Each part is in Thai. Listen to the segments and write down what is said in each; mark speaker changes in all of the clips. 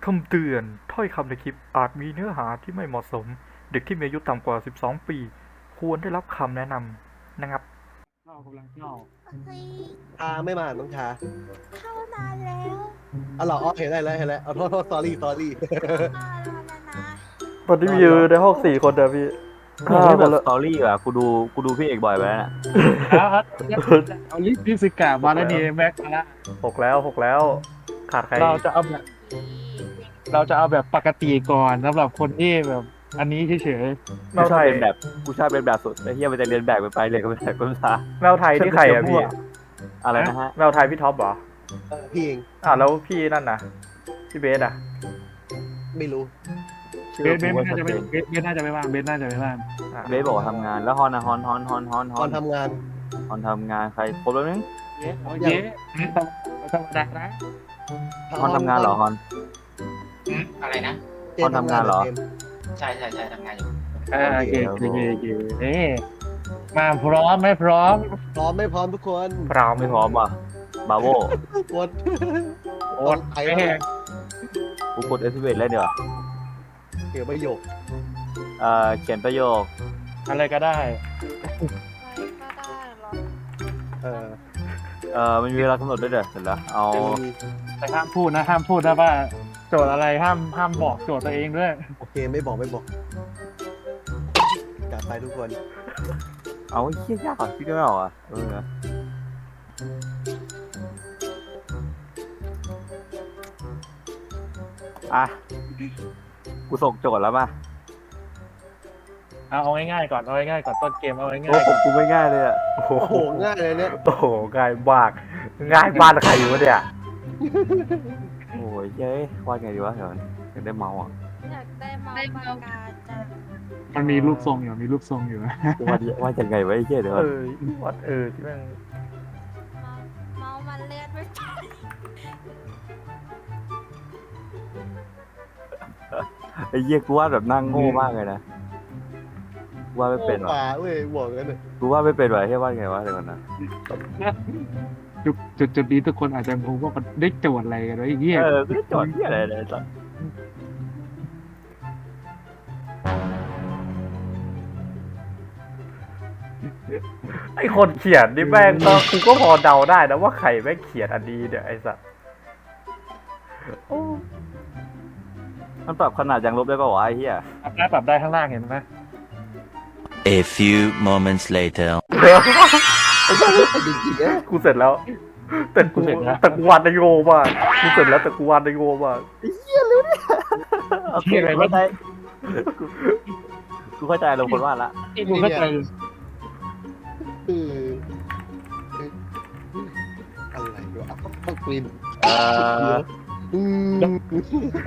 Speaker 1: คำเตือนถ้อยคำในคลิปอาจมีเนื้อหาที่ไม่เหมาะสมเด็กที่มีอายุต่ำกว่า12ปีควรได้รับคำแนะนำนะครับ
Speaker 2: กำลังเข้า
Speaker 3: เฮ้ย
Speaker 4: ชาไม่มาน้องชา
Speaker 3: เข้านานแล้ว
Speaker 4: อ๋อเหรออ๋อเห็นแล้วเอาโทษ sorry
Speaker 3: เข้านานแล้วนะ
Speaker 1: ตอนนี้มีอยู่ในห้อง4 คนเดียวพี่
Speaker 5: นี่แบบสตอรี่อ่ะกูดูพี่เอกบ่อยไปแล้วน่ะ
Speaker 2: ครับเอาลิสกามาแล้วนี่แม็กมาละ
Speaker 1: 6 แล้วขาดใคร
Speaker 2: เราจะเอาแบบปกติก่อนสำหรับคนที่แบบ อันนี้เฉย
Speaker 5: กูชอบเป็นแบบกูชอบเป็นแบบสุดไอ้เหี้ยมันจะเรียนแบบไปเลยก็ไม่ได้ก็ไม่ได้
Speaker 1: แมวไทยที่ใครอะพี่
Speaker 5: อะไรนะฮะ
Speaker 1: แมวไทยพี่ท็อปเหรอ
Speaker 4: พี่เอง
Speaker 1: แล้วพี่นั่นน่ะพี่เบสอะ
Speaker 4: ไม่รู้
Speaker 2: ๆเบสน่าจะไม่เบสน่าจะไม่ว่างเบสน่าจะไม่ว่าง
Speaker 5: เบสบอกว่าทำงานแล้วฮอนนะฮอน
Speaker 4: ตอนทำงาน
Speaker 5: ฮอนทำงานใครครบแล้วนึง
Speaker 2: เย้โอเคธรรมดานะ
Speaker 5: ฮอนทำงานเหรอฮอน
Speaker 6: อะไรนะ
Speaker 4: เจมส์
Speaker 5: ทำงานเหรอ
Speaker 4: เจมส์
Speaker 6: ใช่ทำงานอยู่
Speaker 2: โอเคมาพร้อมไม่พร้อม
Speaker 4: พร้อมไม่พร้อมทุกคน
Speaker 1: พราว
Speaker 5: ไม่พร้อมว่ะบาโว
Speaker 4: กด
Speaker 2: โอ้ย
Speaker 4: ไอ้แม่ง
Speaker 5: กูกดเอสเวทเลยเดี๋ยว
Speaker 4: เกี่ยวประโยค
Speaker 5: เขียนประโยค
Speaker 2: อะไรก็ได้
Speaker 4: เออ
Speaker 5: มันมีเวลากำหนดด้วยเดี๋ยวเสร็จแล้วเอา
Speaker 2: แต่ห้ามพูดนะว่าโจทย์อะไรห้ามบอกโจทย์ตัวเองด้วย
Speaker 4: โอเคไม่บอกจัดไปทุกคน
Speaker 5: เอาเหี้ยยากอ่ะพี่ก็ไม่เอาอ่ะอ่ะกูส่งโจทย์แล้วมา
Speaker 2: เอาง่ายๆก่อนต้นเกมเอาง่าย
Speaker 5: โอ้ผมกูไม่ง่ายเลยอ่ะ
Speaker 1: โอ้
Speaker 4: โอ้
Speaker 1: โห
Speaker 4: โหง่ายเลยเนี่ย
Speaker 1: โอ้โหง่ายมากง่ายบ้านใครวะเนี่ย
Speaker 5: โอ้ยเย้ยวาดไงดีวะเดี๋ยวอยากได้เมาส์อ่ะ
Speaker 3: อยากได้เมาส์ปากกาจัง
Speaker 2: ๆมันมีรูปทรงอยู่นะ
Speaker 5: วาดยังไงวะไอ้เหี้ยเดี๋ยว
Speaker 1: วัดที่แม่ง
Speaker 3: เมาส์มันเลื่อนไม่ไป
Speaker 5: ไอ้เหี้ยกูวาดแบบนั่งโง่มากเลยนะกูวาดไม่เป็น
Speaker 4: ป่า
Speaker 5: ว่ะ
Speaker 4: เว้ยบอกกันเลย
Speaker 5: กูวาดไม่เป็นว่ะเฮ้ยวาดไงวะเดี๋ยวก่อนนะ
Speaker 2: จุดนี้ทุกคนอาจจะงงว่ามันได้โจทย์อะไรกันวะไอ้เหี้ย
Speaker 5: กูได้โจทย์เหี้ยอะไรเลยสัส
Speaker 1: ไอคนเขียนนี่แม่งก็กูก็พอเดาได้นะว่าใครแม่งเขียนอันนี้เนี่ยไอสัตว์โอ้
Speaker 5: มันปรับขนาดยางลบได้ป่าววะไอ้เหี้ย
Speaker 2: ปรับได้ข้างล่างเห็นไหม
Speaker 7: A few moments later.
Speaker 4: จริงๆนะ
Speaker 1: กูเสร็จแล้ว แต่กูวาดได้โง่มากกูเสร็จแล้วแต่กูวาดได้โง่มาก
Speaker 5: โอเคกูเข้าใจกูเข้าใจลงคนวาดละ
Speaker 2: กูเข้าใจ
Speaker 4: คืออะไรวะต้องกรีน
Speaker 5: เอ่อ
Speaker 2: เรา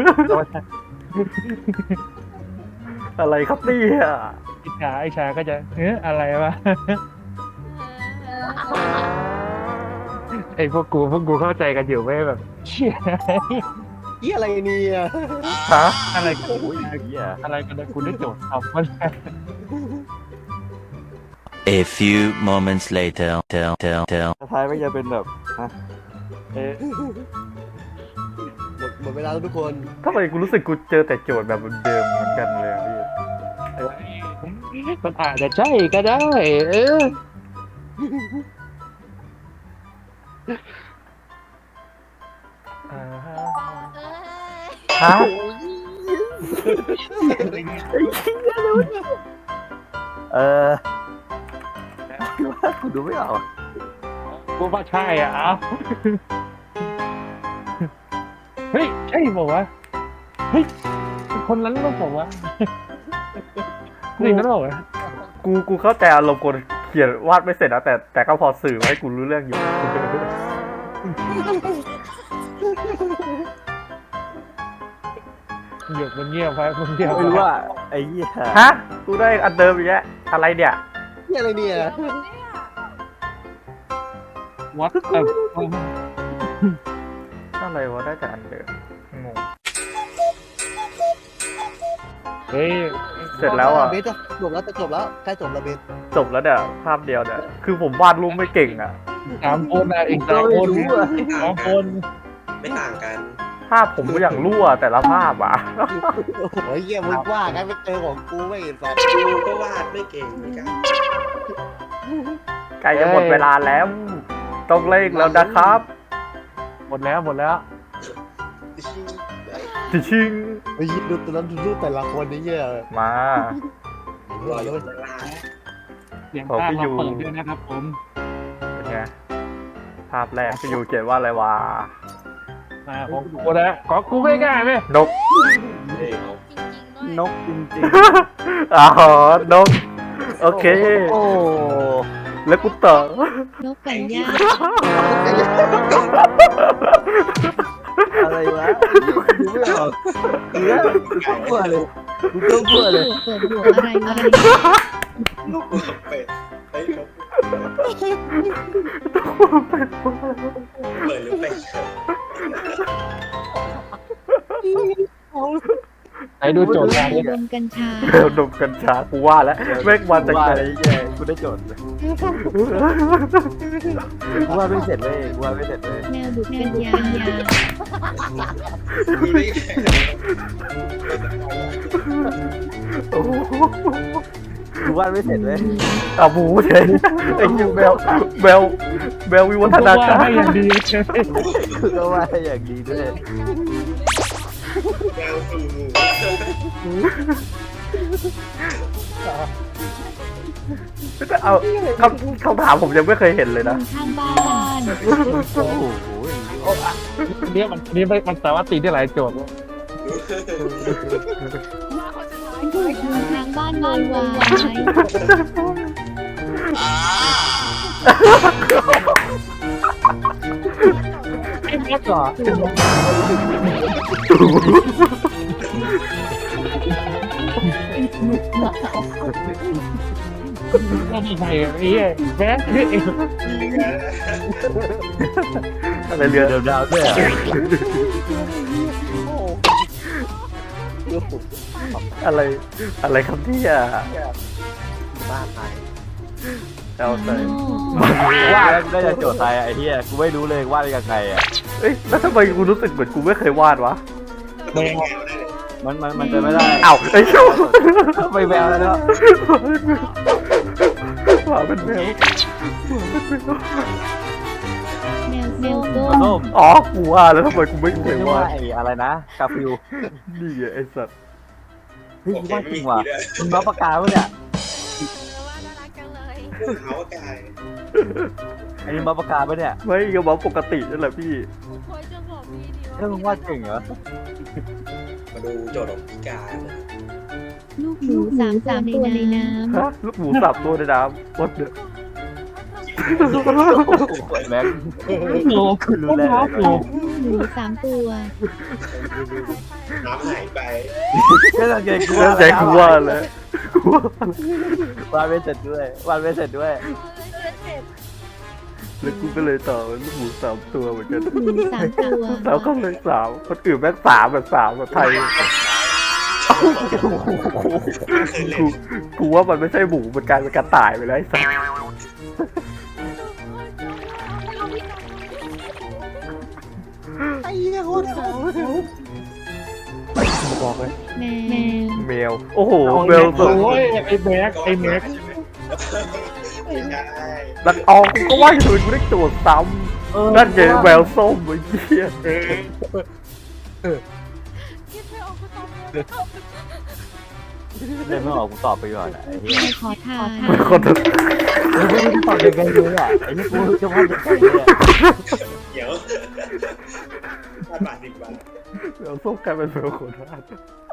Speaker 1: อะไรครับเนี่ย
Speaker 2: ไอ้ชาก็จะอะไรวะไอ้พวกกูเข้าใจกันอยู่ไม่แบบเชี่ย
Speaker 4: ยี่อะไรเนี่ย
Speaker 1: ฮะ
Speaker 2: อะไรกัน
Speaker 5: โอ้ยเหี้ย
Speaker 2: อะไรกันนะคุณได้โจทย์ทำมัน
Speaker 7: A few moments later.
Speaker 5: สุดท้ายไม่จะเป็นแบบฮะ
Speaker 4: หมดเวลาแล้วทุกคน
Speaker 1: ทำไมกูรู้สึกกูเจอแต่โจทย์แบบเดิมๆเหมือนกันเลยอะพี่
Speaker 2: มันอาจจะใช่ก็ได้
Speaker 1: อ่าฮะ
Speaker 3: เอ้ย
Speaker 1: ฮะ
Speaker 5: เออกูดูไม่ออกอะ
Speaker 2: กูว่าใช่อ่ะเอาเฮ้ยใช่บอกว่าเฮ้ยคนนั้นต้องบอกว่าจริงก็ต้องบอกว่า
Speaker 1: กูเข้าใจอารมณ์คนเขียนวาดไม่เสร็จนะแต่ก็พอสื่อมาให้กูรู้เรื่องอยู่
Speaker 2: หยกมันเงียบไปมันเงียบ
Speaker 5: ไม่รู้ว่าไอ้เหี้ย
Speaker 1: ฮะกูได้อันเดิมอีกแล้วอะไรเนี่ย
Speaker 4: ยี่อะไรเนี่ย
Speaker 2: วัด
Speaker 1: อะไรวะได้แต่อันเดิมงง
Speaker 2: เฮ้ย
Speaker 1: เสร็จแล้วอ่ะ
Speaker 4: เบสจะจบแล้วใกล้จบแล้วเบส
Speaker 1: จบแล้วเนี่ยภาพเดียวเนี่ยคือผมวาดรูปไม่เก่งอ่ะ
Speaker 2: 3 คนอ่ะอีก3 คน
Speaker 5: ไม่รู้อะ
Speaker 2: 2 คน
Speaker 6: ไม่ต่างกัน
Speaker 1: ภาพผมอย่างรั่วแต่ละภาพอ่ะ
Speaker 4: โอ้ยเหี้ยมึงว่ากันไปเจอของกูไม่เห็นสัตว์
Speaker 8: กูก็วาดไม่เก่งเหมือนกัน
Speaker 1: ใกล้จะหมดเวลาแล้ว ต้องเร่งแล้วนะครับ
Speaker 2: หมดแล้วหมดแล้ว
Speaker 1: ชิง
Speaker 4: ไอ้ยดูแต่ละดูแต่ละคนนี่เหี้ย
Speaker 1: มา
Speaker 8: รออยู่ข้างล่าง
Speaker 2: เสียงภาคเราเปิดด้วยนะครับผม
Speaker 1: เป็นไงภาพแรกพี่ยูเขียนว่าอะไรวะ
Speaker 2: ของกูนะของกูง่ายๆไหม
Speaker 1: นก
Speaker 3: นกจริงๆด้วย
Speaker 5: นกจริง
Speaker 1: อ๋อนก โอเค
Speaker 5: ๆ โอ้
Speaker 1: แล้วกูต่อน
Speaker 3: กไก่ย่าง
Speaker 5: อะไรวะดูไม่ออกเนื้อเบื่อเลยกูต้องเบื่อเลย
Speaker 3: เปิดหัวอะไรอะไร
Speaker 8: นกเป็ดเฮ้ยนกเปิดหรือเป็ด
Speaker 2: ไหนดูโจทย์การ
Speaker 3: ดมกัญชา
Speaker 1: แมวดมกัญชากูว่าแล้วแม่งมาจาก
Speaker 5: ว่า
Speaker 1: ไหน
Speaker 5: อะไรแย่กูได้โจทย์เลยกูว่าไม่เสร็จเลยกูว่าไม่เสร็จเลย
Speaker 3: แมวดูดกัญญา
Speaker 8: กูได้
Speaker 1: โอ้โห
Speaker 5: กูว่าไม่เสร็จเลย
Speaker 1: เอาหมูเฉยไอ้ยูแมววิวัฒนา
Speaker 2: ว่า
Speaker 1: การ
Speaker 2: ให้อย่างดี
Speaker 5: กูก็ว่าอย่างดีด้วย
Speaker 8: แมวสู่หมู
Speaker 1: เอาคำถามผมยังไม่เคยเห็นเลยนะ
Speaker 3: ข้างบ้าน
Speaker 5: โอ้โห
Speaker 2: อันนี้มันสามารถตีได้หลายโจทย์
Speaker 3: ทางบ้านวายวาย
Speaker 2: ไอ้แม็กก่อนไม่มีใครไอ้แม็กนี่
Speaker 1: อะไรเรือ
Speaker 5: เดี๋ยวดาวด้วยอ่ะ
Speaker 1: อะไรครับเนี่ย
Speaker 4: บ้าตาย
Speaker 1: เอาใส่
Speaker 5: ว่าแล้วกูได้จะโจทย์อะไรไอ้เหี้ยกูไม่รู้เลยว่าได้ยังไงอ่ะ
Speaker 1: เอ้ยแล้วทำไมกูรู้สึกเหมือนกูไม่เคยวาดวะ
Speaker 2: แม็ก
Speaker 5: มันจะไม่ได้
Speaker 1: อ้าวไอ้ชู
Speaker 5: ไปแววแล้วเนาะ
Speaker 1: ว่าเป็นแมว
Speaker 3: แมวโก้
Speaker 5: ส้ม
Speaker 1: อ๋อกูว่าแล้วทำไมกูไม่เค
Speaker 5: เรี
Speaker 1: ย
Speaker 5: ยก
Speaker 1: วา
Speaker 5: ว่า
Speaker 1: ด
Speaker 5: ไอ้อะไรนะกาฟิว
Speaker 1: นี่ไงไอ้สัตว์
Speaker 5: เฮ้ยว่าจริงว่ะมึงรับปากกาปะเนี่ย
Speaker 3: ว่าน่ารักจังเลย
Speaker 8: เขากาย
Speaker 5: อันนี้รับปากกาปะเนี่ย
Speaker 1: ไม่ก็บอกปกตินั่นแหละพี่
Speaker 3: กูควรจะบอกพี่ดี
Speaker 5: เรื่องมึงว่าเก่งเหรอ
Speaker 8: มาดูโจทย์ของพิการ
Speaker 3: ลูกหมูสามตัวในน้
Speaker 1: ฮะลูกหมูสับตัวในน้ำวัดเด้อ
Speaker 5: แม็ก
Speaker 2: โอ้คือรู้แล้วโอ้
Speaker 3: ำหมู3 ตัว
Speaker 8: น้ำหายไป
Speaker 5: ก็ต้องเก่งกู
Speaker 1: เรื่องใจกูว่าแล้วกูว่า
Speaker 5: วาดไม่เสร็จด้วยวาดไม่เสร็จด้วย
Speaker 1: แล้วกูก็เลยต่อลูกหมู3 ตัวเหมือนกัน
Speaker 3: หมู3 ตัว
Speaker 1: แล้วก็เลย3คนอื่นแม่ง3แบบไทยกูว่ามันไม่ใช่หมูมันกลายเป็นกระต่ายไปแล้วไอ้สัส
Speaker 4: ไอ้เหี้ยโคตรโหด
Speaker 2: บอกเลย
Speaker 3: แมว
Speaker 1: แมวโอ้โหแมวตัว
Speaker 2: โอ้ยไอ้แม็กไอ้แม็ก
Speaker 8: ไม่ใช่
Speaker 1: นักออกกูก็ว่าอยู่กูได้โจทย์ซ้ำนั่นไงแมวส้มไอ้เหี้ย
Speaker 3: คิดไม่ออกก็ตอบเลย
Speaker 5: เล่นไม่ออกกูตอบไปก่อนไอ้เหี้ย
Speaker 3: ขอทาน
Speaker 1: เป็นคน
Speaker 5: ไม่รู้จะตอบยังไงเลยอ่ะไอ้นี่กูจะวาดยังไงเนี่ย
Speaker 8: เดี๋ยว5 บาท10 บาท
Speaker 1: แมวส้มกลายเป็นแมวโคราช